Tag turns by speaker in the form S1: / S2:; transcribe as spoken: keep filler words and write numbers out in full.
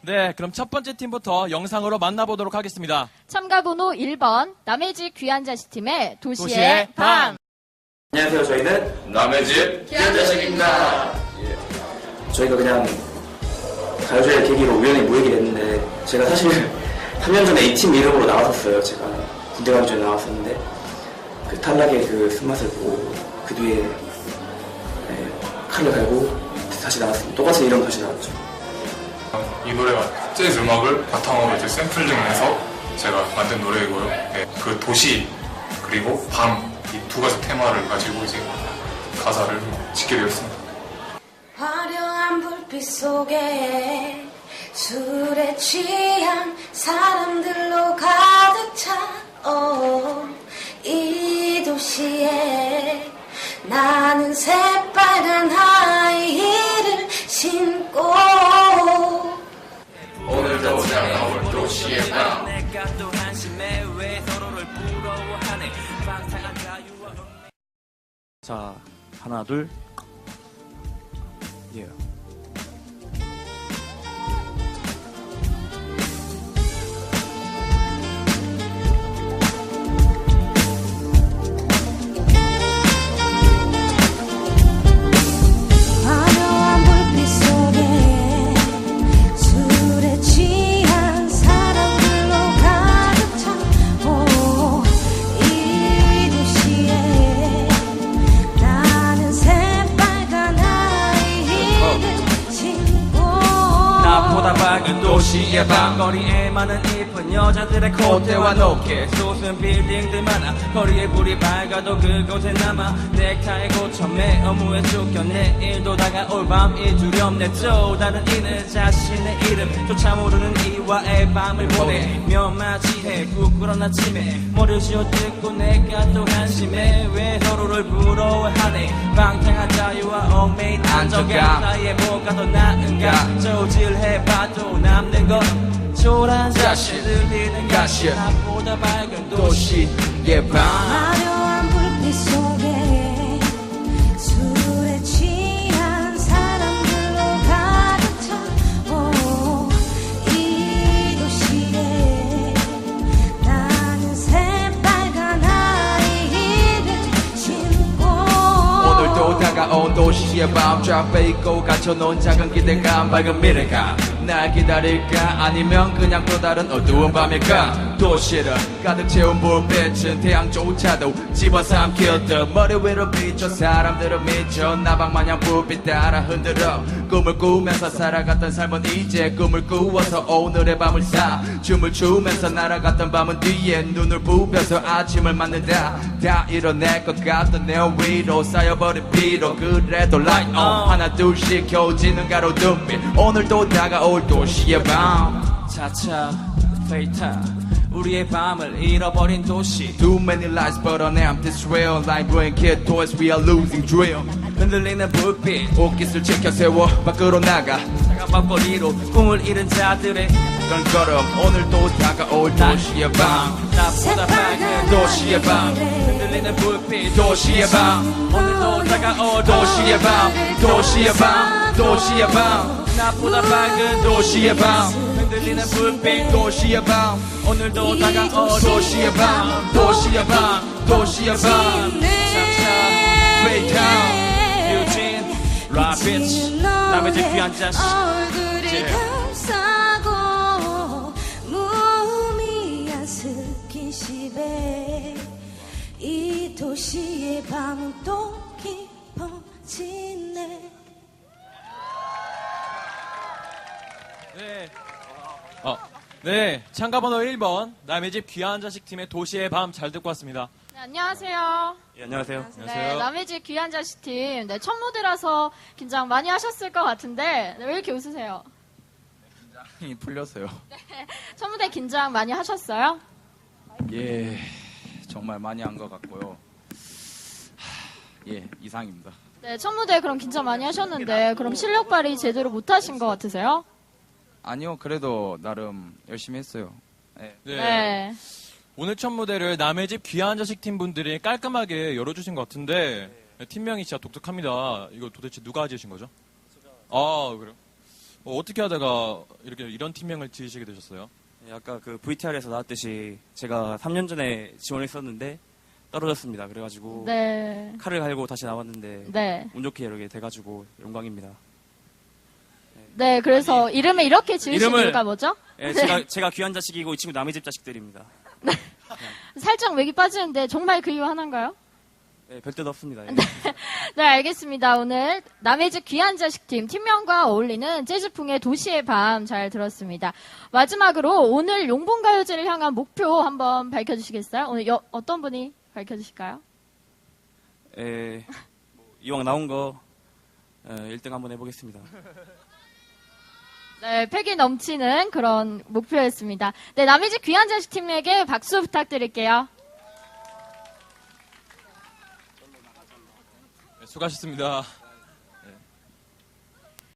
S1: 네, 그럼 첫 번째 팀부터 영상으로 만나보도록 하겠습니다.
S2: 참가 번호 일 번 남의 집 귀한 자식 팀의 도시의,
S1: 도시의
S2: 밤.
S1: 밤.
S3: 안녕하세요. 저희는
S4: 남의 집
S3: 귀한 자식입니다. 저희가 그냥 가요제를 계기로 우연히 모이게 됐는데 제가 사실 삼 년 전에 이 팀 이름으로 나왔었어요. 제가 군대 가기 전에 나왔었는데 그 탈락의 그 쓴맛을 보고 그 뒤에 네, 칼을 갈고 다시 나왔습니다. 똑같은 이름 다시 나왔죠.
S4: 이 노래가 재즈 음악을 바탕으로 이제 샘플링해서 제가 만든 노래이고요. 네, 그 도시 그리고 밤 이 두 가지 테마를 가지고 이제 가사를 짓게 되었습니다.
S5: 화려한 불빛 속에 술에 취한 사람들로 가득 찬 어, 이 도시에 나는 새빨간 하이힐을 신고
S4: 오늘도 다가올 도시의 밤.
S6: 자, 하나, 둘. 예.
S5: 화려한 불빛 속에 술에 취한 사람들로 가득 찬 오, 이 도시에 나는 새빨간 하이힐을 신고
S6: 나보다 밝은 도시의 밤 거리에 많은 이쁜 여자들의 콧대와 높게 솟은 빌딩들 많아 거리에 불이 밝아도 그곳에 남아 넥타이 고쳐매 업무에 쫓겨 내일도 다가올 밤이 두렵네 또 다른 이는 자신의 이름조차 모르는 이와의 밤을 보내며 맞이해 부끄러운 아침에 머리를 쥐어뜯고 내가 또 한심해 왜 서로를 부러워하네 방탕한 자유와 얽매인 안정감 사이에 뭐가 더 나은가 저질해봐도 남는 건 초라한 자신 들리는 가시 나보다 밝은 도시의 밤
S5: 화려한 불빛 속에 술에 취한 사람들로 가득 찬 오, 이 도시에 나는 새빨간 하이힐을 신고
S6: 오늘도 다가온 도시의 밤 좌페 있고 갇혀놓은 작은 기대감 밝은 미래가 날 기다릴까 아니면 그냥 또 다른 어두운 밤일까 도시를 가득 채운 불빛은 태양조차도 집어삼켰듯 머리 위로 비춰 사람들은 미쳐 나방마냥 불빛 따라 흔들어 꿈을 꾸면서 살아갔던 삶은 이제 꿈을 꾸어서 오늘의 밤을 사 춤을 추면서 날아갔던 밤은 뒤에 눈을 부벼서 아침을 맞는다 다 이뤄낼 것 같던 내 위로 쌓여버린 피로 그래도 light on 하나 둘씩 켜지는 가로등빛 오늘도 다가올 도시의 밤 차차 페이타 우리의 밤을 잃어버린 도시 Too many lights but on empty trail Like bring kid toys we are losing drill 흔들리는 불빛 옷깃을 지켜 세워 밖으로 나가 차가운 밤거리로 꿈을 잃은 자들의 그런 걸음 오늘도 다가올 도시의 밤 나보다 밝은 도시의 밤 흔들리는 불빛 도시의 밤 오늘도 다가올 도시의 밤 도시의 밤 도시의 밤 나보다 밝은 도시의 밤 흔들리는 불빛 도시의 밤 오늘도 다가올 도시의 밤 도시의 밤 도시의 밤 차차 페이타운 유진 라비치 남의 집 귀한 자식
S5: 얼굴을 감싸고 무미한 스킨십에 이 도시의 밤은 또 깊어지네
S1: 네. 어, 네, 참가 번호 일 번 남의 집 귀한 자식 팀의 도시의 밤 잘 듣고 왔습니다.
S2: 네, 안녕하세요.
S6: 예, 안녕하세요
S2: 네,
S1: 안녕하세요.
S2: 남의 집 귀한 자식 팀. 네, 첫 무대라서 긴장 많이 하셨을 것 같은데 네, 왜 이렇게 웃으세요?
S6: 힘이 풀렸어요
S2: 첫 무대 긴장 많이 하셨어요?
S6: 예 정말 많이 한 것 같고요 하, 예 이상입니다
S2: 네, 첫 무대 그럼 긴장 많이 하셨는데 그럼 실력 발휘 제대로 못 하신 것 같으세요?
S6: 아니요 그래도 나름 열심히 했어요 예.
S1: 네.
S2: 네.
S1: 오늘 첫 무대를 남의 집 귀한 자식 팀 분들이 깔끔하게 열어주신 것 같은데 팀명이 진짜 독특합니다. 이거 도대체 누가 지으신 거죠? 아, 그래요? 어, 어떻게 하다가 이렇게 이런 팀명을 지으시게 되셨어요?
S7: 네, 아까 그 브이티알에서 나왔듯이 제가 삼 년 전에 지원했었는데 떨어졌습니다. 그래가지고
S2: 네.
S7: 칼을 갈고 다시 나왔는데
S2: 네.
S7: 운 좋게 이렇게 돼가지고 영광입니다.
S2: 네, 그래서 이름을 이렇게 지으신
S7: 이름을-
S2: 이유가 뭐죠?
S7: 예, 제가 제가 귀한 자식이고 이 친구 남의 집 자식들입니다.
S2: 살짝 맥이 빠지는데 정말 그 이유 하나인가요?
S7: 예, 별 뜻 없습니다. 예.
S2: 네, 알겠습니다. 오늘 남의 집 귀한 자식 팀 팀명과 어울리는 재즈풍의 도시의 밤 잘 들었습니다. 마지막으로 오늘 용봉가요제를 향한 목표 한번 밝혀주시겠어요? 오늘 여- 어떤 분이 밝혀주실까요?
S7: 예, 뭐 이왕 나온 거 어, 일 등 한번 해보겠습니다.
S2: 네, 패기 넘치는 그런 목표였습니다. 네, 남의 집 귀한 자식 팀에게 박수 부탁드릴게요.
S1: 네, 수고하셨습니다.